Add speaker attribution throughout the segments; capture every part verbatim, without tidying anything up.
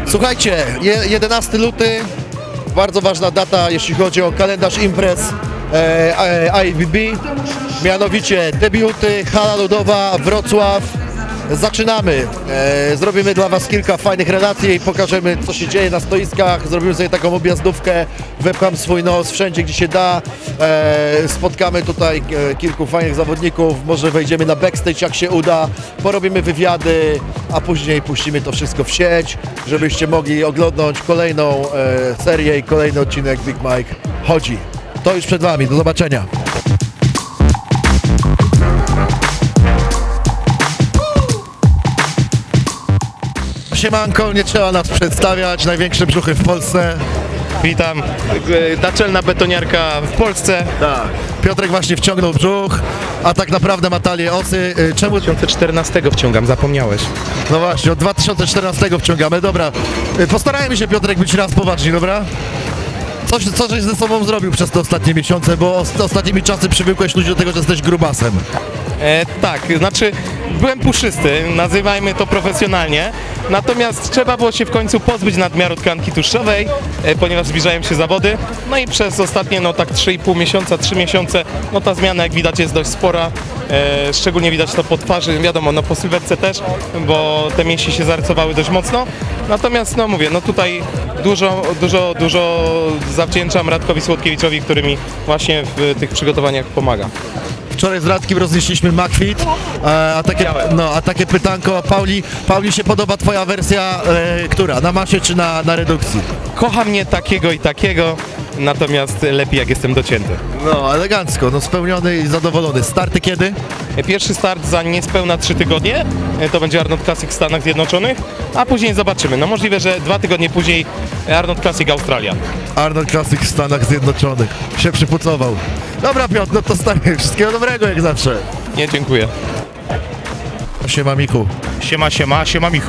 Speaker 1: Słuchajcie, je- jedenasty luty, bardzo ważna data, jeśli chodzi o kalendarz imprez e, e, I B B, mianowicie debiuty, hala ludowa, Wrocław. Zaczynamy, e, zrobimy dla Was kilka fajnych relacji i pokażemy, co się dzieje na stoiskach, zrobimy sobie taką objazdówkę, wepcham swój nos wszędzie, gdzie się da, e, spotkamy tutaj e, kilku fajnych zawodników, może wejdziemy na backstage, jak się uda, porobimy wywiady, a później puścimy to wszystko w sieć, żebyście mogli oglądać kolejną e, serię i kolejny odcinek Big Mike Chodzi. To już przed Wami, do zobaczenia. Siemanko, nie trzeba nas przedstawiać, największe brzuchy w Polsce.
Speaker 2: Witam, E, naczelna betoniarka w Polsce.
Speaker 1: Tak. Piotrek właśnie wciągnął brzuch, a tak naprawdę ma talię osy. Y, Czemu?
Speaker 2: dwa tysiące czternastego wciągam, zapomniałeś.
Speaker 1: No właśnie, od dwa tysiące czternastego wciągamy, dobra. Y, Postarajmy się, Piotrek, być raz poważni, dobra? Coś, co żeś ze sobą zrobił przez te ostatnie miesiące, bo os- ostatnimi czasy przywykłeś ludzi do tego, że jesteś grubasem.
Speaker 2: E, tak, znaczy byłem puszysty, nazywajmy to profesjonalnie, natomiast trzeba było się w końcu pozbyć nadmiaru tkanki tłuszczowej, e, ponieważ zbliżają się zawody, no i przez ostatnie no tak trzy i pół miesiąca, trzy miesiące, no ta zmiana jak widać jest dość spora, e, szczególnie widać to po twarzy, wiadomo, no po sylwetce też, bo te mięśnie się zarysowały dość mocno, natomiast no mówię, no tutaj dużo, dużo, dużo zawdzięczam Radkowi Słodkiewiczowi, który mi właśnie w tych przygotowaniach pomaga.
Speaker 1: Wczoraj z Radkiem roznieśliśmy McFit, e, a takie, no, a takie pytanko, Pauli, Pauli się podoba Twoja wersja, e, która? Na masie czy na, na redukcji?
Speaker 2: Kocha mnie takiego i takiego, natomiast lepiej jak jestem docięty.
Speaker 1: No, elegancko, no spełniony i zadowolony. Starty kiedy?
Speaker 2: Pierwszy start za niespełna trzy tygodnie, to będzie Arnold Classic w Stanach Zjednoczonych, a później zobaczymy. No możliwe, że dwa tygodnie później Arnold Classic Australia.
Speaker 1: Arnold Classic w Stanach Zjednoczonych. Się przypucował. Dobra, Piotr, no to stary, wszystkiego dobrego jak zawsze.
Speaker 2: Nie, dziękuję.
Speaker 1: Siema, Michu.
Speaker 3: Siema, siema, siema Michu.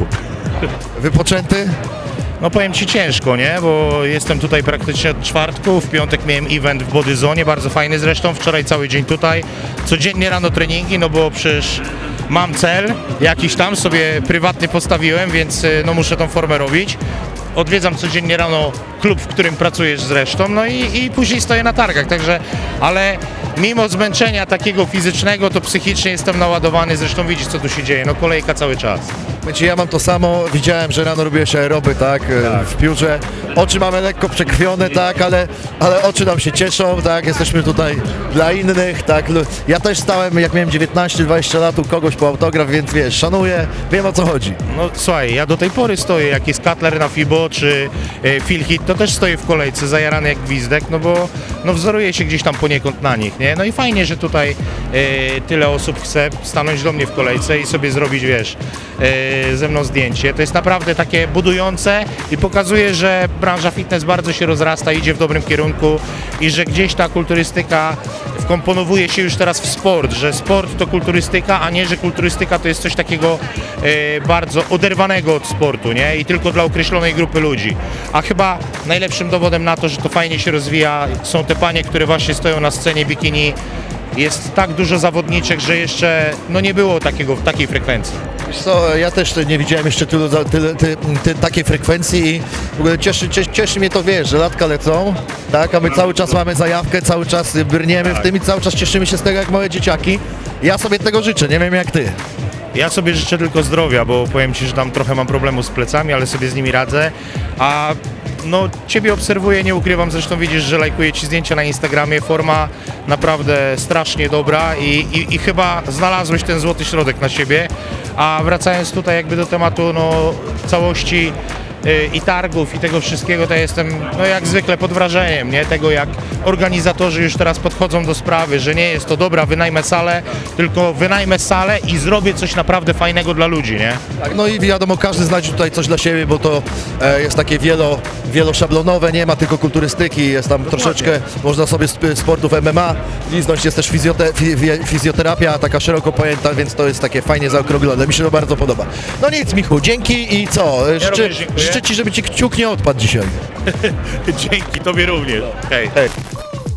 Speaker 1: Wypoczęty?
Speaker 3: No powiem Ci ciężko, nie? Bo jestem tutaj praktycznie od czwartku, w piątek miałem event w Bodyzone, bardzo fajny zresztą, wczoraj cały dzień tutaj. Codziennie rano treningi, no bo przecież mam cel, jakiś tam sobie prywatny postawiłem, więc y, no muszę tą formę robić. Odwiedzam codziennie rano klub, w którym pracujesz zresztą, no i, i później stoję na targach, także, ale mimo zmęczenia takiego fizycznego, to psychicznie jestem naładowany, zresztą widzisz, co tu się dzieje, no kolejka cały czas.
Speaker 1: Wiecie, ja mam to samo, widziałem, że rano robiłeś aeroby, tak, e, w piórze. Oczy mamy lekko przekrwione, tak, ale, ale oczy nam się cieszą, tak, jesteśmy tutaj dla innych, tak. Lu- Ja też stałem, jak miałem dziewiętnaście dwadzieścia lat, u kogoś po autograf, więc wiesz, szanuję, wiem o co chodzi.
Speaker 3: No słuchaj, ja do tej pory stoję, jak jest Cutler na Fibo czy e, Phil Heath, to też stoję w kolejce, zajarany jak gwizdek, no bo no wzoruję się gdzieś tam poniekąd na nich, nie? No i fajnie, że tutaj e, tyle osób chce stanąć do mnie w kolejce i sobie zrobić, wiesz, e, ze mną zdjęcie. To jest naprawdę takie budujące i pokazuje, że branża fitness bardzo się rozrasta, idzie w dobrym kierunku i że gdzieś ta kulturystyka wkomponowuje się już teraz w sport, że sport to kulturystyka, a nie, że kulturystyka to jest coś takiego e, bardzo oderwanego od sportu, nie? I tylko dla określonej grupy ludzi. A chyba najlepszym dowodem na to, że to fajnie się rozwija, są te panie, które właśnie stoją na scenie bikini. Jest tak dużo zawodniczek, że jeszcze no nie było takiego, takiej frekwencji.
Speaker 1: Wiesz co, ja też nie widziałem jeszcze tylu, za- tyle, ty, ty, takiej frekwencji i w ogóle cieszy, cieszy, cieszy mnie to, wiesz, że latka lecą, tak, a my cały czas mamy zajawkę, cały czas brniemy w tym i cały czas cieszymy się z tego jak małe dzieciaki. Ja sobie tego życzę, nie wiem jak ty.
Speaker 3: Ja sobie życzę tylko zdrowia, bo powiem Ci, że tam trochę mam problemu z plecami, ale sobie z nimi radzę, a no Ciebie obserwuję, nie ukrywam, zresztą widzisz, że lajkuję Ci zdjęcia na Instagramie, forma naprawdę strasznie dobra i, i, i chyba znalazłeś ten złoty środek na siebie, a wracając tutaj jakby do tematu no całości y, i targów i tego wszystkiego, to ja jestem no jak zwykle pod wrażeniem, nie? Tego jak organizatorzy już teraz podchodzą do sprawy, że nie jest to dobra, wynajmę salę, tylko wynajmę salę i zrobię coś naprawdę fajnego dla ludzi, nie?
Speaker 1: Tak, no i wiadomo, każdy znajdzie tutaj coś dla siebie, bo to e, jest takie wielo, wielosiablonowe, nie ma tylko kulturystyki, jest tam troszeczkę, można sobie sp- sportów M M A liznąć, jest też fizjote, fi, fi, fizjoterapia, taka szeroko pojęta, więc to jest takie fajnie zaokrąglone, mi się to bardzo podoba. No nic, Michu, dzięki i co? E, Życzę,
Speaker 3: również dziękuję.
Speaker 1: życzę Ci, żeby Ci kciuk nie odpadł dzisiaj.
Speaker 3: Dzięki, Tobie również. Hej.
Speaker 1: Hej. To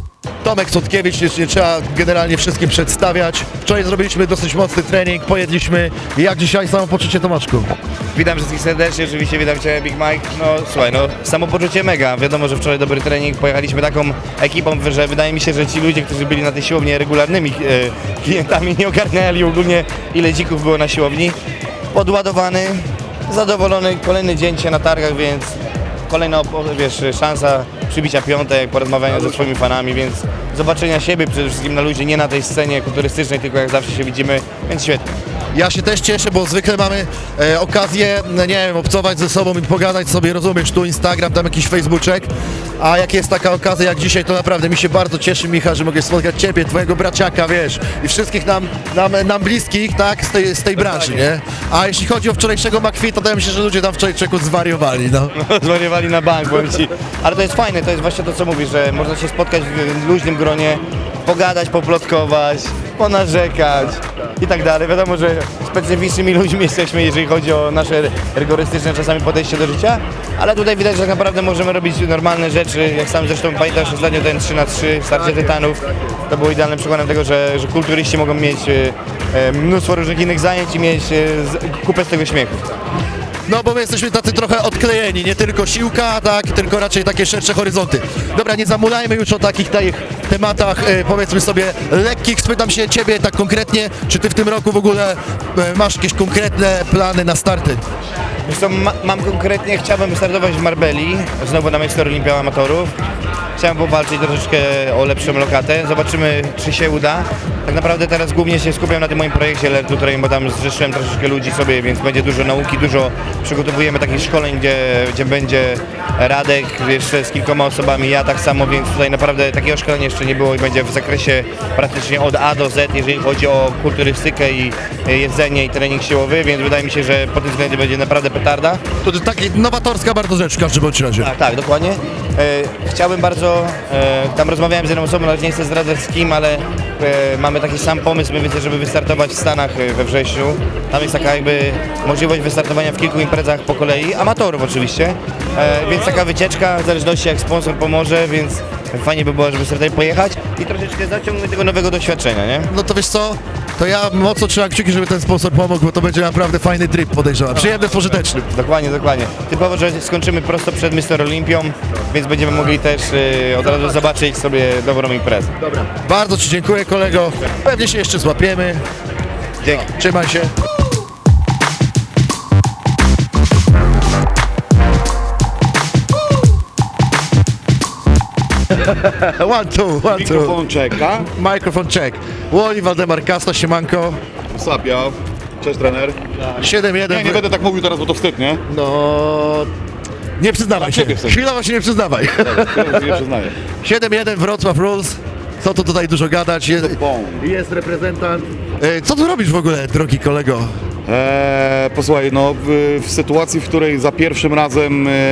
Speaker 1: Tomek Sotkiewicz, nie, nie trzeba generalnie wszystkim przedstawiać. Wczoraj zrobiliśmy dosyć mocny trening, pojedliśmy. Jak dzisiaj samopoczucie, Tomaszku?
Speaker 4: Witam wszystkich serdecznie, oczywiście witam Cię Big Mike. No słuchaj, no samopoczucie mega. Wiadomo, że wczoraj dobry trening, pojechaliśmy taką ekipą, że wydaje mi się, że ci ludzie, którzy byli na tej siłowni regularnymi e, klientami, nie ogarniali ogólnie ile dzików było na siłowni. Podładowany, zadowolony, kolejny dzień się na targach, więc kolejna, wiesz, szansa przybicia piątek, porozmawiania ze swoimi fanami, więc zobaczenia siebie przede wszystkim na ludzi, nie na tej scenie kulturystycznej, tylko jak zawsze się widzimy, więc świetnie.
Speaker 1: Ja się też cieszę, bo zwykle mamy e, okazję, no nie wiem, obcować ze sobą i pogadać sobie, rozumiesz, tu Instagram, tam jakiś Facebooczek, a jak jest taka okazja jak dzisiaj, to naprawdę mi się bardzo cieszy, Michał, że mogę spotkać Ciebie, Twojego braciaka, wiesz, i wszystkich nam, nam, nam bliskich, tak, z tej, z tej branży, nie? A jeśli chodzi o wczorajszego McFit, to wydaje mi się, że ludzie tam wczoraj czeku zwariowali, no.
Speaker 4: Zwariowali na bank, powiem Ci. Ale to jest fajne, to jest właśnie to, co mówisz, że można się spotkać w luźnym gronie, pogadać, poplotkować, ponarzekać i tak dalej. Wiadomo, że specyficznymi ludźmi jesteśmy, jeżeli chodzi o nasze rygorystyczne czasami podejście do życia, ale tutaj widać, że tak naprawdę możemy robić normalne rzeczy. Jak sam zresztą pamiętasz ostatnio ten trzy na trzy, starcie tytanów, to było idealnym przykładem tego, że, że kulturyści mogą mieć e, mnóstwo różnych innych zajęć i mieć e, z, kupę z tego śmiechu.
Speaker 1: No bo my jesteśmy tacy trochę odklejeni, nie tylko siłka, tak, tylko raczej takie szersze horyzonty. Dobra, nie zamulajmy już o takich tych tematach, e, powiedzmy sobie, lekkich. Spytam się Ciebie tak konkretnie, czy Ty w tym roku w ogóle e, masz jakieś konkretne plany na starty?
Speaker 4: Wiesz co, ma, mam konkretnie, chciałbym wystartować w Marbelli, znowu na Mister Olimpia Amatorów. Chciałem powalczyć troszeczkę o lepszą lokatę, zobaczymy, czy się uda. Tak naprawdę teraz głównie się skupiam na tym moim projekcie Learn to Train, bo tam zrzeszyłem troszeczkę ludzi sobie, więc będzie dużo nauki, dużo przygotowujemy takich szkoleń, gdzie, gdzie będzie Radek jeszcze z kilkoma osobami, ja tak samo, więc tutaj naprawdę takiego szkolenia jeszcze nie było i będzie w zakresie praktycznie od A do Z, jeżeli chodzi o kulturystykę i jedzenie i trening siłowy, więc wydaje mi się, że pod tym względem będzie naprawdę petarda.
Speaker 1: To jest taka nowatorska bardzo rzecz w każdym bądź razie.
Speaker 4: Tak, tak, dokładnie. E, chciałbym bardzo, e, tam rozmawiałem z jedną osobą, ale nie chcę zdradzać z kim, ale e, mamy taki sam pomysł, mniej więcej, żeby wystartować w Stanach e, we wrześniu. Tam jest taka jakby możliwość wystartowania w kilku imprezach po kolei, amatorów oczywiście, e, więc taka wycieczka, w zależności jak sponsor pomoże, więc fajnie by było, żeby sobie tutaj pojechać i troszeczkę zaciągnąć tego nowego doświadczenia, nie?
Speaker 1: No to wiesz co, to ja mocno trzymam kciuki, żeby ten sponsor pomógł, bo to będzie naprawdę fajny trip, podejrzewam. Przyjemny, pożyteczny.
Speaker 4: Dokładnie, dokładnie. Typowo, że skończymy prosto przed Mister Olimpią, więc będziemy mogli też y, od razu zobaczyć sobie dobrą imprezę.
Speaker 1: Bardzo Ci dziękuję, kolego. Pewnie się jeszcze złapiemy.
Speaker 4: Dzięki.
Speaker 1: Trzymaj się. One, two, one, two.
Speaker 5: Mikrofon czeka.
Speaker 1: Microphone check. Łoli, Waldemar Kasta, siemanko.
Speaker 5: Sapia. Cześć trener.
Speaker 1: siedem jeden.
Speaker 5: Nie, nie będę tak mówił teraz, bo to wstyd, nie?
Speaker 1: No... Nie przyznawaj
Speaker 5: Na
Speaker 1: się.
Speaker 5: ciebie wstyd.
Speaker 1: Chwilowo się nie przyznawaj.
Speaker 5: Teraz nie przyznaję.
Speaker 1: siedem jeden Wrocław Rules. Co tu tutaj dużo gadać? Jest,
Speaker 5: Bom.
Speaker 1: jest reprezentant. E, Co tu robisz w ogóle, drogi kolego?
Speaker 5: Eee, posłuchaj, no w, w sytuacji, w której za pierwszym razem e,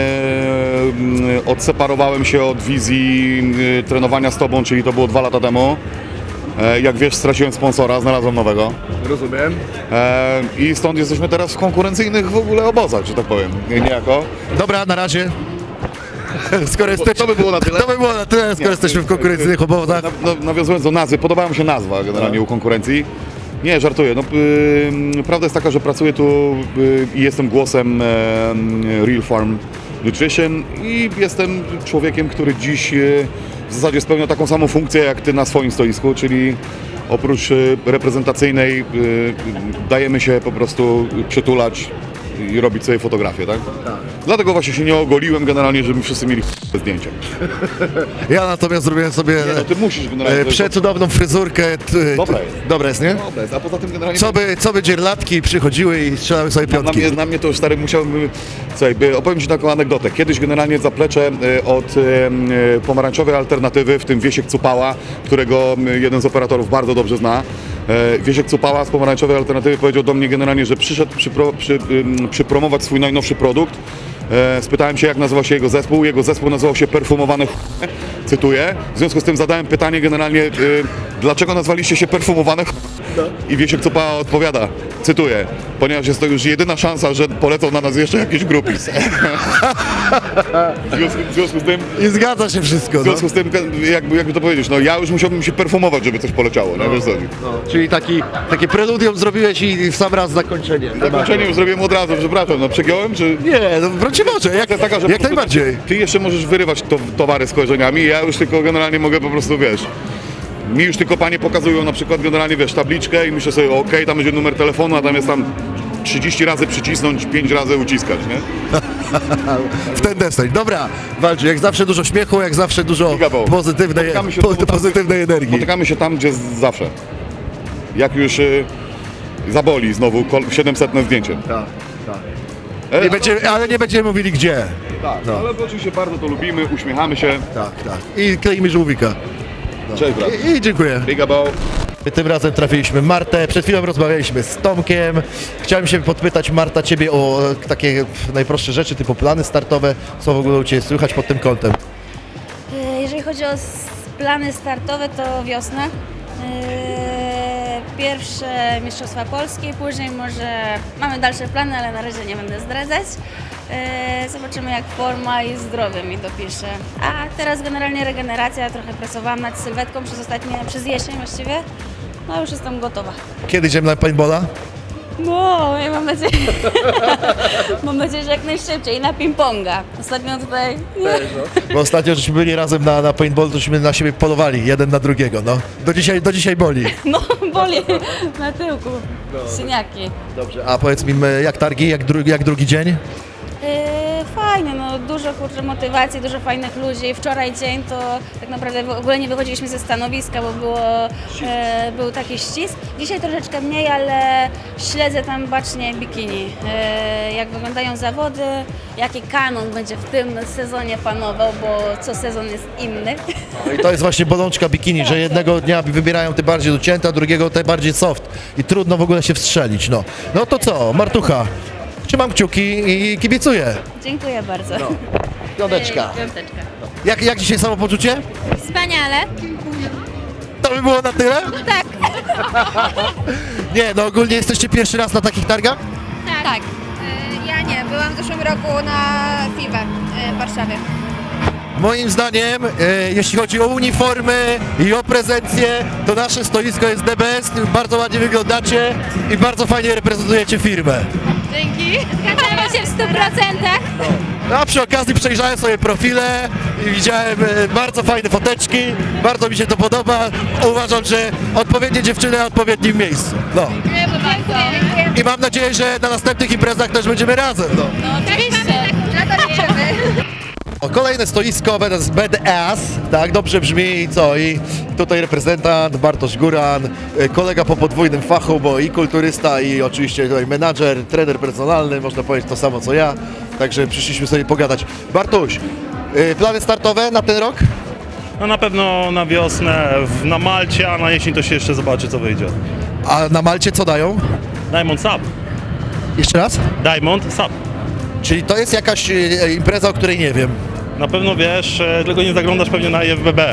Speaker 5: m, odseparowałem się od wizji e, trenowania z tobą, czyli to było dwa lata temu. E, jak wiesz, straciłem sponsora, znalazłem nowego.
Speaker 1: Rozumiem.
Speaker 5: E, I stąd jesteśmy teraz w konkurencyjnych w ogóle obozach, że tak powiem, nie- niejako.
Speaker 1: Dobra, na razie. Skoro jesteśmy,
Speaker 5: to by było na tyle.
Speaker 1: To by było na tyle, skoro
Speaker 5: Nie,
Speaker 1: jesteśmy w
Speaker 5: nie,
Speaker 1: konkurencyjnych obozach.
Speaker 5: Na, no, nawiązując do nazwy, podobała mi się nazwa generalnie u konkurencji. Nie, żartuję. No, y, prawda jest taka, że pracuję tu y, i jestem głosem y, Real Farm Nutrition i jestem człowiekiem, który dziś y, w zasadzie spełnia taką samą funkcję jak ty na swoim stoisku, czyli oprócz y, reprezentacyjnej y, dajemy się po prostu przytulać i robić sobie fotografię, tak? Dlatego właśnie się nie ogoliłem generalnie, żeby wszyscy mieli zdjęcia.
Speaker 1: Ja natomiast zrobiłem sobie
Speaker 5: Nie, no ty musisz generalnie...
Speaker 1: e, przecudowną fryzurkę. T,
Speaker 5: Dobra
Speaker 1: t-
Speaker 5: jest.
Speaker 1: Dobra jest, nie?
Speaker 5: Dobra jest, a poza tym generalnie...
Speaker 1: Co by, co by dzierlatki przychodziły i strzelały sobie
Speaker 5: Na
Speaker 1: piątki.
Speaker 5: mnie, na mnie to już stary musiałbym... Słuchaj, by- opowiem Ci taką anegdotę. Kiedyś generalnie zaplecze e, od e, e, pomarańczowej alternatywy, w tym Wiesiek Cupała, którego m, jeden z operatorów bardzo dobrze zna. E, Wiesiek Cupała z pomarańczowej alternatywy powiedział do mnie generalnie, że przyszedł przypro, przy, ym, przypromować swój najnowszy produkt. E, Spytałem się, jak nazywa się jego zespół. Jego zespół nazywał się Perfumowane ch... Cytuję. W związku z tym zadałem pytanie generalnie, y, dlaczego nazwaliście się Perfumowane ch... I Wiesiek Cupała odpowiada, cytuję, ponieważ jest to już jedyna szansa, że polecą na nas jeszcze jakiś grupis. W związku, w związku z tym,
Speaker 1: I zgadza się wszystko,
Speaker 5: w
Speaker 1: no.
Speaker 5: związku z tym jakby, jakby to powiedzieć, no ja już musiałbym się perfumować, żeby coś poleciało, no, wiesz co chodzi.
Speaker 1: No, czyli taki, takie preludium zrobiłeś i w sam raz zakończenie.
Speaker 5: Zakończenie już zrobiłem od razu, przepraszam, no przegiąłem, czy...
Speaker 1: Nie, no brocie może, jak,
Speaker 5: Kwestia taka, że
Speaker 1: jak
Speaker 5: po prostu
Speaker 1: najbardziej.
Speaker 5: Ty jeszcze możesz wyrywać to, towary z kojarzeniami, ja już tylko generalnie mogę po prostu, wiesz... Mi już tylko panie pokazują na przykład generalnie, wiesz, tabliczkę i myślę sobie, okej, tam będzie numer telefonu, a tam jest tam trzydzieści razy przycisnąć, pięć razy uciskać, nie?
Speaker 1: W ten deseń. Dobra, Walczy, jak zawsze dużo śmiechu, jak zawsze dużo
Speaker 5: Gigaboł.
Speaker 1: pozytywnej,
Speaker 5: Spotykamy się
Speaker 1: po,
Speaker 5: znowu tam,
Speaker 1: pozytywnej energii.
Speaker 5: Spotykamy się tam, gdzie z- zawsze. Jak już y, zaboli znowu kol- siedemsetne zdjęcie.
Speaker 1: Tak, tak.
Speaker 5: E,
Speaker 1: Nie będziemy, ale nie będziemy mówili gdzie.
Speaker 5: tak,
Speaker 1: no.
Speaker 5: ale oczywiście bardzo to lubimy, uśmiechamy się.
Speaker 1: Tak, tak. I kleimy żółwika.
Speaker 5: Cześć, brat.
Speaker 1: I, i dziękuję.
Speaker 5: Big about.
Speaker 1: Tym razem trafiliśmy Martę, przed chwilą rozmawialiśmy z Tomkiem. Chciałem się podpytać, Marta, ciebie o e, takie najprostsze rzeczy, typu plany startowe. Co w ogóle u ciebie słychać pod tym kątem?
Speaker 6: E, Jeżeli chodzi o s- plany startowe, to wiosna. E, Pierwsze Mistrzostwa Polskie, później może mamy dalsze plany, ale na razie nie będę zdradzać. E, Zobaczymy, jak forma i zdrowie mi dopisze. A teraz generalnie regeneracja, trochę pracowałam nad sylwetką przez ostatnie, przez jesień właściwie. No już jestem gotowa.
Speaker 1: Kiedy idziemy na paintballa?
Speaker 6: No, ja mam nadzieję, mam nadzieję, że jak najszybciej i na ping-ponga. Ostatnio tutaj, nie,
Speaker 1: Bo ostatnio żeśmy byli razem na, na paintballu, tośmy na siebie polowali, jeden na drugiego, no. Do dzisiaj, do dzisiaj boli.
Speaker 6: no boli na tyłku, syniaki.
Speaker 1: Dobrze. A powiedz mi, m, jak targi, jak, dru, jak drugi dzień?
Speaker 6: Yy, fajnie, no dużo kurczę motywacji, dużo fajnych ludzi. Wczoraj dzień to tak naprawdę w ogóle nie wychodziliśmy ze stanowiska, bo było, e, był taki ścisk. Dzisiaj troszeczkę mniej, ale śledzę tam bacznie bikini. E, jak wyglądają zawody, jaki kanon będzie w tym sezonie panował, bo co sezon jest inny.
Speaker 1: No i to jest właśnie bolączka bikini, że jednego dnia wybierają te bardziej docięte, a drugiego te bardziej soft. I trudno w ogóle się wstrzelić, no. No to co, Martucha, trzymam kciuki i kibicuję.
Speaker 6: Dziękuję bardzo.
Speaker 1: Piąteczka.
Speaker 6: Piąteczka.
Speaker 1: Jak, jak dzisiaj samopoczucie?
Speaker 6: Wspaniale.
Speaker 1: To by było na tyle?
Speaker 6: Tak.
Speaker 1: Nie, no ogólnie jesteście pierwszy raz na takich targach?
Speaker 6: Tak.
Speaker 7: E, Ja nie, byłam w zeszłym roku na F I B e, w Warszawie.
Speaker 1: Moim zdaniem, e, jeśli chodzi o uniformy i o prezencję, to nasze stoisko jest the best, bardzo ładnie wyglądacie i bardzo fajnie reprezentujecie firmę.
Speaker 7: Dzięki. Zgadzamy się w stu procentach.
Speaker 1: No, a przy okazji przejrzałem sobie profile i widziałem e, bardzo fajne foteczki, bardzo mi się to podoba. Uważam, że odpowiednie dziewczyny na odpowiednim miejscu. No.
Speaker 7: Dziękujemy bardzo.
Speaker 1: I mam nadzieję, że na następnych imprezach też będziemy razem. No.
Speaker 7: Oczywiście. Na to liczymy.
Speaker 1: O, kolejne stoisko z Badass, tak, dobrze brzmi i co, i tutaj reprezentant Bartosz Góran, e, kolega po podwójnym fachu, bo i kulturysta, i oczywiście tutaj menadżer, trener personalny, można powiedzieć to samo co ja, także przyszliśmy sobie pogadać. Bartuś, e, plany startowe na ten rok?
Speaker 8: No na pewno na wiosnę w, na Malcie, a na jesień to się jeszcze zobaczy, co wyjdzie.
Speaker 1: A na Malcie co dają?
Speaker 8: Diamond Sub.
Speaker 1: Jeszcze raz?
Speaker 8: Diamond Sub.
Speaker 1: Czyli to jest jakaś e, impreza, o której nie wiem.
Speaker 8: Na pewno wiesz, e, tylko nie zaglądasz pewnie na I F B B.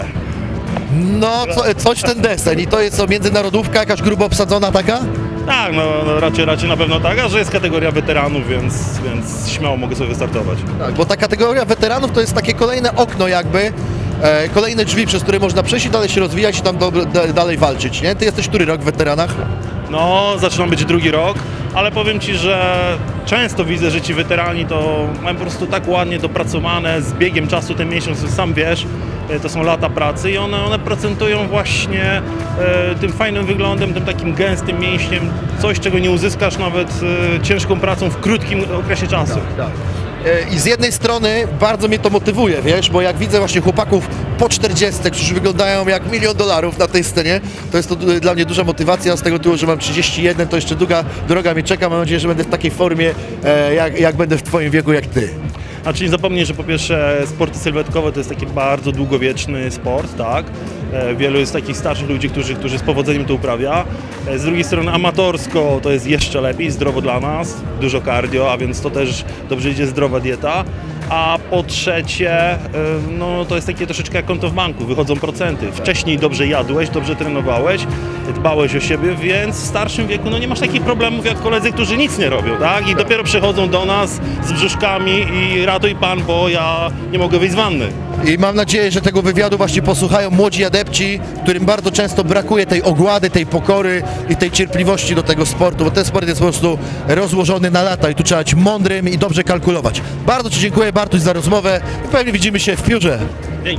Speaker 1: No, co, coś w ten deseń i to jest co, międzynarodówka, jakaś grubo obsadzona taka?
Speaker 8: Tak, no, no raczej, raczej na pewno tak, a że jest kategoria weteranów, więc, więc śmiało mogę sobie wystartować.
Speaker 1: Tak, bo ta kategoria weteranów to jest takie kolejne okno jakby, e, kolejne drzwi, przez które można przejść i dalej się rozwijać i tam do, da, dalej walczyć, nie? Ty jesteś który rok w weteranach?
Speaker 8: No, zaczynam być drugi rok, ale powiem Ci, że często widzę, że ci weterani to mają po prostu tak ładnie dopracowane, z biegiem czasu ten miesiąc, sam wiesz, e, to są lata pracy i one, one procentują właśnie e, tym fajnym wyglądem, tym takim gęstym mięśniem, coś czego nie uzyskasz nawet e, ciężką pracą w krótkim okresie czasu.
Speaker 1: E, I z jednej strony bardzo mnie to motywuje, wiesz, bo jak widzę właśnie chłopaków po czterdziestce, którzy wyglądają jak milion dolarów na tej scenie, to jest to du- dla mnie duża motywacja z tego tytułu, że mam trzydzieści jeden, to jeszcze długa droga mnie czeka, mam nadzieję, że będę w takiej formie, e, jak, jak będę w twoim wieku jak ty.
Speaker 8: Znaczy nie zapomnij, że po pierwsze sporty sylwetkowe to jest taki bardzo długowieczny sport, tak? E, Wielu jest takich starszych ludzi, którzy, którzy z powodzeniem to uprawia. Z drugiej strony amatorsko to jest jeszcze lepiej, zdrowo dla nas, dużo cardio, a więc to też dobrze idzie zdrowa dieta. A po trzecie, y, no to jest takie troszeczkę jak konto w banku, wychodzą procenty. Wcześniej dobrze jadłeś, dobrze trenowałeś, dbałeś o siebie, więc w starszym wieku no nie masz takich problemów jak koledzy, którzy nic nie robią, tak? I dopiero przychodzą do nas z brzuszkami i ratuj pan, bo ja nie mogę wyjść z wanny.
Speaker 1: I mam nadzieję, że tego wywiadu właśnie posłuchają młodzi adepci, którym bardzo często brakuje tej ogłady, tej pokory i tej cierpliwości do tego sportu, bo ten sport jest po prostu rozłożony na lata i tu trzeba być mądrym i dobrze kalkulować. Bardzo Ci dziękuję, Bartuś, za rozmowę i pewnie widzimy się w piórze.
Speaker 8: Dzięki.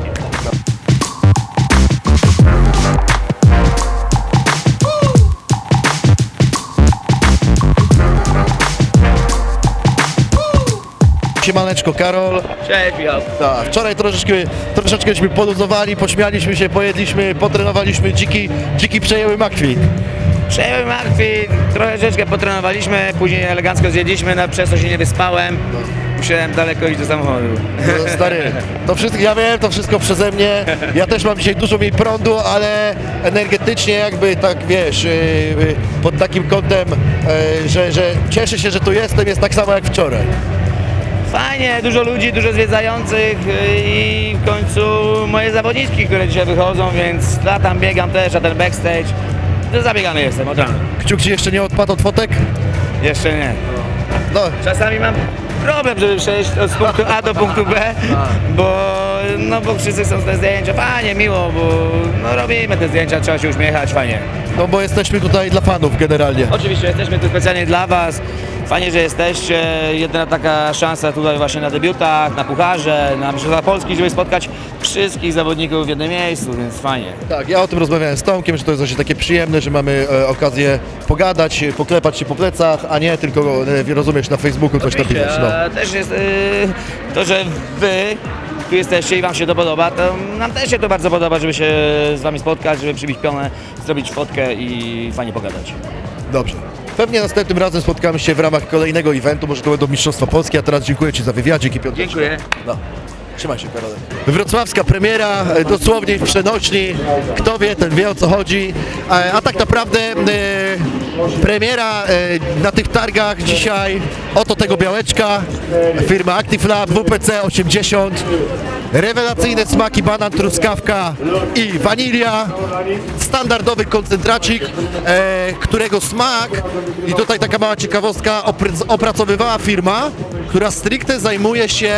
Speaker 1: Siemaneczko, Karol.
Speaker 4: Cześć, Michał.
Speaker 1: Tak, wczoraj troszeczkę, troszeczkęśmy poluzowali, pośmialiśmy się, pojedliśmy, potrenowaliśmy, dziki, dziki przejęły makwi.
Speaker 4: Przejąłem martwi, trochę troszeczkę potrenowaliśmy, później elegancko zjedliśmy, no, przez to się nie wyspałem. Musiałem daleko iść do samochodu.
Speaker 1: No, stary, to wszystko, ja wiem, to wszystko przeze mnie. Ja też mam dzisiaj dużo mniej prądu, ale energetycznie jakby tak, wiesz, yy, yy, pod takim kątem, yy, że, że cieszę się, że tu jestem, jest tak samo jak wczoraj.
Speaker 4: Fajnie, dużo ludzi, dużo zwiedzających i w końcu moje zawodniczki, które dzisiaj wychodzą, więc latam, biegam też, a ten backstage, to zabiegany jestem od rana.
Speaker 1: Kciuk Ci jeszcze nie odpadł od fotek?
Speaker 4: Jeszcze nie.
Speaker 1: No,
Speaker 4: Czasami mam problem, żeby przejść od punktu A do punktu B, bo, no, bo wszyscy chcą te zdjęcia, fajnie, miło, bo no, robimy te zdjęcia, trzeba się uśmiechać, fajnie.
Speaker 1: no bo jesteśmy tutaj dla fanów generalnie.
Speaker 4: Oczywiście jesteśmy tu specjalnie dla Was, fajnie, że jesteście, jedyna taka szansa tutaj właśnie na debiutach, na pucharze, na Mistrzostwach Polski, żeby spotkać wszystkich zawodników w jednym miejscu, więc fajnie.
Speaker 1: Tak, ja o tym rozmawiałem z Tomkiem, że to jest właśnie takie przyjemne, że mamy e, okazję pogadać, poklepać się po plecach, a nie tylko, e, rozumiesz, na Facebooku coś napisać. No.
Speaker 4: A też jest y, to, że Wy tu jesteście i Wam się to podoba, to nam też się to bardzo podoba, żeby się z Wami spotkać, żeby przybić pionę, zrobić fotkę i fajnie pogadać.
Speaker 1: Dobrze. Pewnie następnym razem spotkamy się w ramach kolejnego eventu, może to będą Mistrzostwa Polskie, a teraz dziękuję Ci za wywiadzik i piąteczkę.
Speaker 4: Dziękuję.
Speaker 1: No. Trzymaj się, Karolek. Wrocławska premiera, e, dosłownie w przenośni. Kto wie, ten wie, o co chodzi. A, a tak naprawdę e, premiera e, na tych targach dzisiaj, oto tego białeczka, firma Active Lab, W P C osiemdziesiąt. Rewelacyjne smaki, banan, truskawka i wanilia. Standardowy koncentracik, e, którego smak, i tutaj taka mała ciekawostka, opr- opracowywała firma, która stricte zajmuje się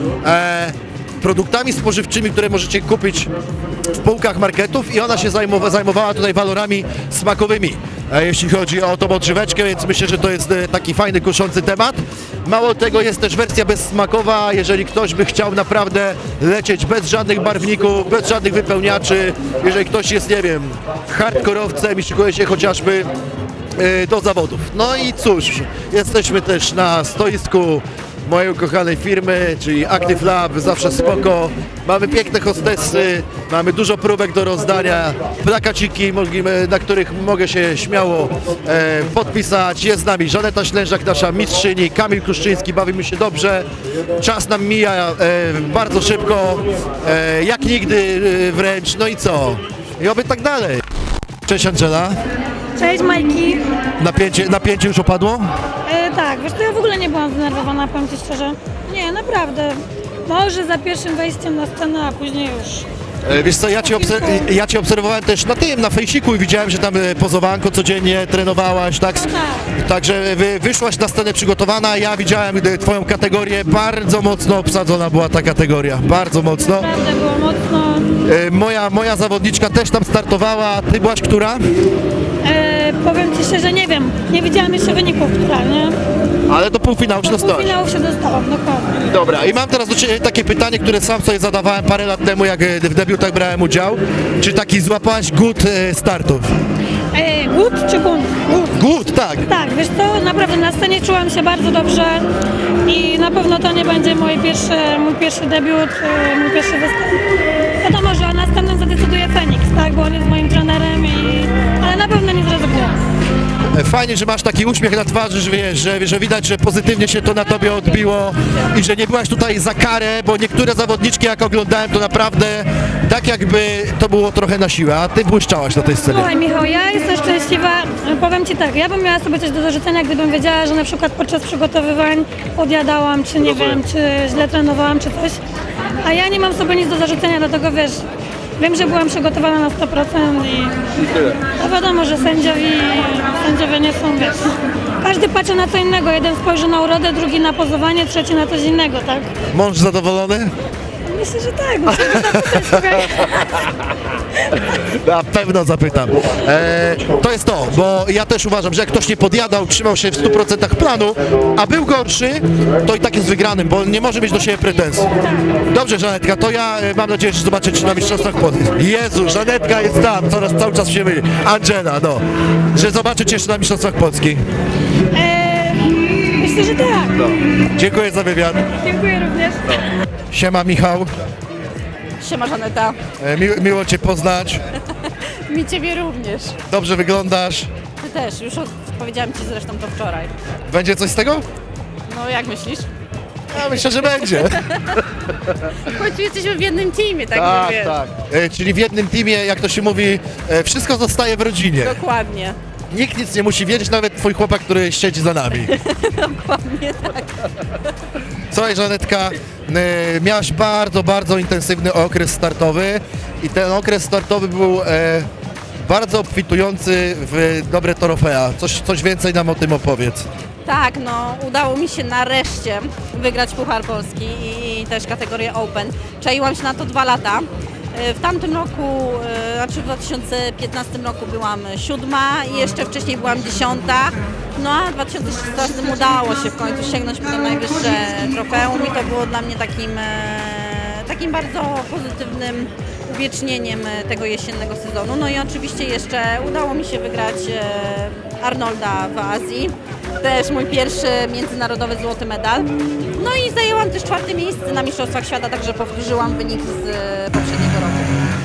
Speaker 1: e, produktami spożywczymi, które możecie kupić w półkach marketów, i ona się zajmowa- zajmowała tutaj walorami smakowymi, e, jeśli chodzi o tą odżyweczkę, więc myślę, że to jest e, taki fajny, kuszący temat. Mało tego, jest też wersja bezsmakowa, jeżeli ktoś by chciał naprawdę lecieć bez żadnych barwników, bez żadnych wypełniaczy, jeżeli ktoś jest, nie wiem, hardkorowcem i szykuje się chociażby e, do zawodów. No i cóż, jesteśmy też na stoisku mojej ukochanej firmy, czyli Active Lab, zawsze spoko. Mamy piękne hostessy, mamy dużo próbek do rozdania, plakaciki, mogimy- na których mogę się śmiało e, podpisać. Jest z nami Żaneta Ślężak, nasza mistrzyni, Kamil Kuszczyński, bawimy się dobrze. Czas nam mija e, bardzo szybko, e, jak nigdy e, wręcz, no i co? I oby tak dalej. Cześć Angela,
Speaker 9: Cześć Majki.
Speaker 1: napięcie, napięcie już opadło?
Speaker 9: E, tak, wiesz co, ja w ogóle nie byłam zdenerwowana, powiem Ci szczerze. Nie, naprawdę. Może za pierwszym wejściem na scenę, a później już.
Speaker 1: E, Wiesz co, ja cię, obser- ja cię obserwowałem też na tym, na fejsiku, i widziałem, że tam e, pozowanko codziennie trenowałaś, tak?
Speaker 9: Tak.
Speaker 1: Także wy, wyszłaś na scenę przygotowana, ja widziałem e, twoją kategorię, bardzo mocno obsadzona była ta kategoria, bardzo mocno.
Speaker 9: Naprawdę było mocno.
Speaker 1: E, Moja, moja zawodniczka też tam startowała, ty byłaś która?
Speaker 9: E, powiem Ci szczerze, nie wiem. Nie widziałam jeszcze wyników, która, nie?
Speaker 1: Ale do półfinału się
Speaker 9: Do
Speaker 1: dostałaś.
Speaker 9: półfinału się dostałam, dokładnie.
Speaker 1: Dobra, i mam teraz do Ciebie takie pytanie, które sam sobie zadawałem parę lat temu, jak e, w debiutach brałem udział. Czy taki złapałaś głód e, startów?
Speaker 9: E, głód czy bunt? Głód.
Speaker 1: Głód, tak.
Speaker 9: Tak, wiesz co, naprawdę na scenie czułam się bardzo dobrze i na pewno to nie będzie mój pierwszy, mój pierwszy debiut, e, mój pierwszy występ. Wiadomo, że o następnym zadecyduje Feniks, tak, bo on jest moim trenerem, i, ale na pewno nie zrezygnuję.
Speaker 1: E, Fajnie, że masz taki uśmiech na twarzy, że wiesz, że, że widać, że pozytywnie się to na tobie odbiło i że nie byłaś tutaj za karę, bo niektóre zawodniczki, jak oglądałem, to naprawdę tak jakby to było trochę na siłę, a ty błyszczałaś na tej scenie.
Speaker 9: Słuchaj Michał, ja jestem szczęśliwa, powiem Ci tak, ja bym miała sobie coś do zarzucenia, gdybym wiedziała, że na przykład podczas przygotowywań podjadałam, czy nie wiem, czy źle trenowałam, czy coś, a ja nie mam sobie nic do zarzucenia, dlatego wiesz, wiem, że byłam przygotowana na sto procent i to wiadomo, że sędziowie, sędziowie nie są, wiesz, każdy patrzy na co innego, jeden spojrzy na urodę, drugi na pozowanie, trzeci na coś innego, tak?
Speaker 1: Mąż zadowolony?
Speaker 9: Myślę, że tak, musimy zapytać, słuchaj.
Speaker 1: Na pewno zapytam. E, to jest to, bo ja też uważam, że jak ktoś nie podjadał, trzymał się w stu procentach planu, a był gorszy, to i tak jest wygranym, bo nie może mieć do siebie pretensji. Dobrze, Żanetka, to ja e, mam nadzieję, że zobaczę Cię na Mistrzostwach Polski. Jezu, Żanetka jest tam, coraz cały czas się myli. Angela, no. Że zobaczę Cię jeszcze na Mistrzostwach Polski.
Speaker 9: E, myślę, że tak.
Speaker 1: Dziękuję za wywiad.
Speaker 9: Dziękuję również.
Speaker 1: Siema, Michał.
Speaker 10: Siema Żaneta.
Speaker 1: E, mi, miło Cię poznać.
Speaker 10: Mi Ciebie również.
Speaker 1: Dobrze wyglądasz.
Speaker 10: Ty też, już od, powiedziałam Ci zresztą to wczoraj.
Speaker 1: Będzie coś z tego?
Speaker 10: No jak myślisz?
Speaker 1: Ja myślę, że będzie.
Speaker 10: W końcu jesteśmy w jednym teamie, tak,
Speaker 1: Tak,
Speaker 10: wiesz.
Speaker 1: tak. E, czyli w jednym teamie, jak to się mówi, e, wszystko zostaje w rodzinie.
Speaker 10: Dokładnie.
Speaker 1: Nikt nic nie musi wiedzieć, nawet twój chłopak, który siedzi za nami.
Speaker 10: Dokładnie tak.
Speaker 1: Słuchaj, Żanetka, e, miałaś bardzo, bardzo intensywny okres startowy i ten okres startowy był e, bardzo obfitujący w dobre trofea. Coś, coś więcej nam o tym opowiedz.
Speaker 10: Tak, no udało mi się nareszcie wygrać Puchar Polski i, i też kategorię Open. Czaiłam się na to dwa lata. W tamtym roku, e, znaczy w dwa tysiące piętnastym roku byłam siódma i jeszcze wcześniej byłam dziesiąta. No a w dwa tysiące szesnastym udało się w końcu sięgnąć po to najwyższe trofeum i to było dla mnie takim, e, takim bardzo pozytywnym uwiecznieniem tego jesiennego sezonu. No i oczywiście jeszcze udało mi się wygrać e, Arnolda w Azji. Też mój pierwszy międzynarodowy złoty medal. No i zajęłam też czwarte miejsce na Mistrzostwach Świata, także powtórzyłam wynik z e, poprzedniego roku.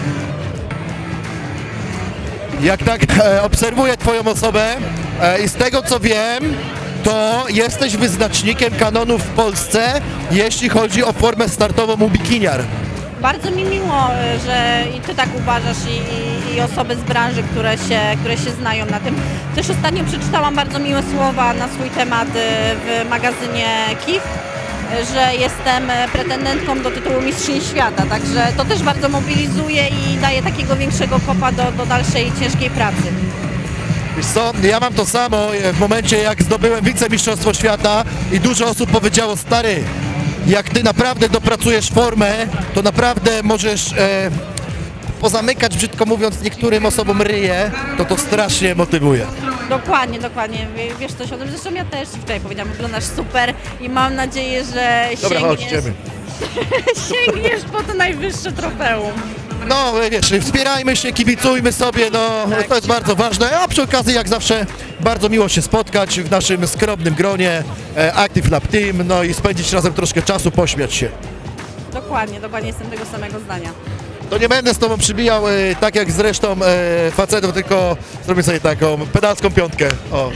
Speaker 1: Jak tak e, obserwuję twoją osobę e, i z tego co wiem, to jesteś wyznacznikiem kanonu w Polsce, jeśli chodzi o formę startową u bikiniar.
Speaker 10: Bardzo mi miło, e, że i Ty tak uważasz i, i, i osoby z branży, które się, które się znają na tym. Też ostatnio przeczytałam bardzo miłe słowa na swój temat e, w magazynie K I F, e, że jestem e, pretendentką do tytułu Mistrzyni Świata, także to też bardzo mobilizuje i daje takiego większego kopa do, do dalszej ciężkiej pracy.
Speaker 1: Wiesz co, ja mam to samo e, w momencie jak zdobyłem wicemistrzostwo świata i dużo osób powiedziało, stary, jak ty naprawdę dopracujesz formę, to naprawdę możesz e, pozamykać, brzydko mówiąc, niektórym osobom ryje, to to strasznie motywuje.
Speaker 10: Dokładnie, dokładnie. Wie- Wiesz coś o tym, zresztą ja też Ci wczoraj powiedziałam, wyglądasz super i mam nadzieję, że
Speaker 1: Dobra, chodź,
Speaker 10: sięgniesz,
Speaker 1: idziemy.
Speaker 10: sięgniesz po to najwyższe trofeum.
Speaker 1: No wiesz, wspierajmy się, kibicujmy sobie, no to jest bardzo ważne, a przy okazji jak zawsze bardzo miło się spotkać w naszym skromnym gronie e, Active Lab Team, no i spędzić razem troszkę czasu, pośmiać się.
Speaker 10: Dokładnie, dokładnie jestem tego samego zdania.
Speaker 1: To nie będę z tobą przybijał e, tak jak z resztą e, facetów, tylko zrobię sobie taką pedalską piątkę. O.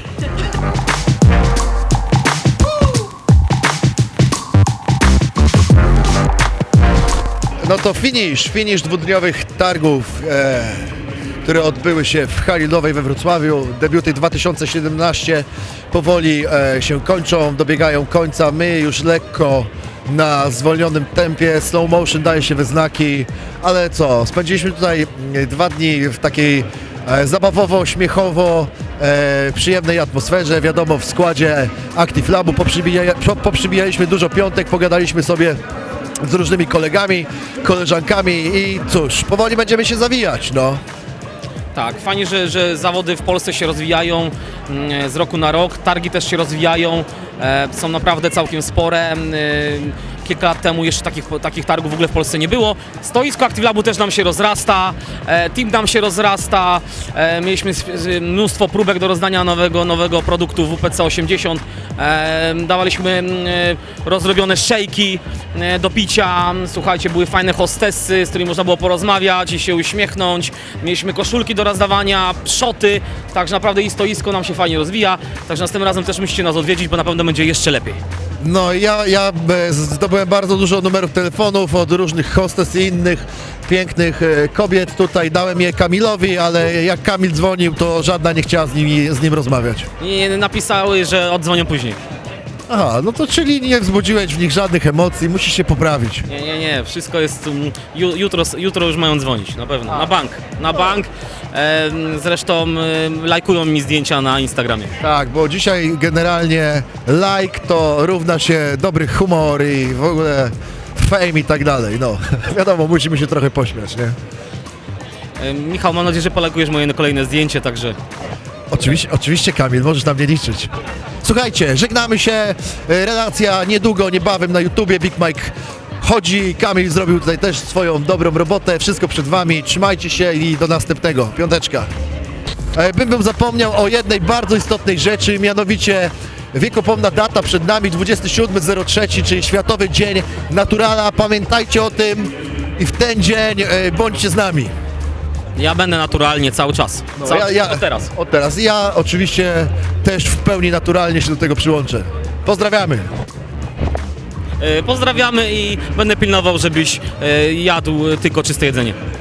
Speaker 1: No to finish, finish dwudniowych targów, e, które odbyły się w hali Nowej we Wrocławiu. Debiuty dwa tysiące siedemnaście powoli e, się kończą, dobiegają końca. My już lekko na zwolnionym tempie, slow motion daje się we znaki, ale co, spędziliśmy tutaj mm, dwa dni w takiej e, zabawowo, śmiechowo, e, przyjemnej atmosferze, wiadomo w składzie Active Labu, poprzybija, po- poprzybijaliśmy dużo piątek, pogadaliśmy sobie z różnymi kolegami, koleżankami i cóż, powoli będziemy się zawijać, no.
Speaker 11: Tak, fajnie, że, że zawody w Polsce się rozwijają mm, z roku na rok, targi też się rozwijają, e, są naprawdę całkiem spore. E, kilka lat temu jeszcze takich, takich targów w ogóle w Polsce nie było. Stoisko ActiveLabu też nam się rozrasta, e, team nam się rozrasta, e, mieliśmy s- s- mnóstwo próbek do rozdania nowego, nowego produktu W P C osiemdziesiąt, e, dawaliśmy e, rozrobione szejki e, do picia, słuchajcie, były fajne hostessy, z którymi można było porozmawiać i się uśmiechnąć, mieliśmy koszulki do rozdawania, szoty, także naprawdę i stoisko nam się fajnie rozwija, także następnym razem też musicie nas odwiedzić, bo na pewno będzie jeszcze lepiej.
Speaker 1: No ja, ja e, zdobyłem bardzo dużo numerów telefonów od różnych hostes i innych pięknych e, kobiet tutaj, dałem je Kamilowi, ale jak Kamil dzwonił, to żadna nie chciała z nim, z nim rozmawiać.
Speaker 11: I napisały, że oddzwonią później.
Speaker 1: Aha, no to czyli nie wzbudziłeś w nich żadnych emocji, musisz się poprawić.
Speaker 11: Nie, nie, nie, wszystko jest, um, ju, jutro, jutro już mają dzwonić, na pewno, na bank, na bank, e, zresztą e, lajkują mi zdjęcia na Instagramie.
Speaker 1: Tak, bo dzisiaj generalnie like to równa się dobry humor i w ogóle fame i tak dalej, no. Wiadomo, musimy się trochę pośmiać, nie?
Speaker 11: E, Michał, mam nadzieję, że polajkujesz moje kolejne zdjęcie, także
Speaker 1: Oczywiście, oczywiście Kamil, możesz na mnie liczyć. Słuchajcie, żegnamy się, e, relacja niedługo, niebawem na YouTubie, Big Mike chodzi, Kamil zrobił tutaj też swoją dobrą robotę, wszystko przed wami, trzymajcie się i do następnego, piąteczka. E, Bym bym zapomniał o jednej bardzo istotnej rzeczy, mianowicie wiekopomna data przed nami, dwudziestego siódmego trzeciego, czyli Światowy Dzień Naturala, pamiętajcie o tym i w ten dzień e, bądźcie z nami.
Speaker 11: ja będę naturalnie cały czas,
Speaker 1: No,
Speaker 11: cały,
Speaker 1: ja- ja-
Speaker 11: od teraz.
Speaker 1: Od teraz. Ja oczywiście też w pełni naturalnie się do tego przyłączę. Pozdrawiamy.
Speaker 11: E, Pozdrawiamy i będę pilnował, żebyś e, jadł tylko czyste jedzenie.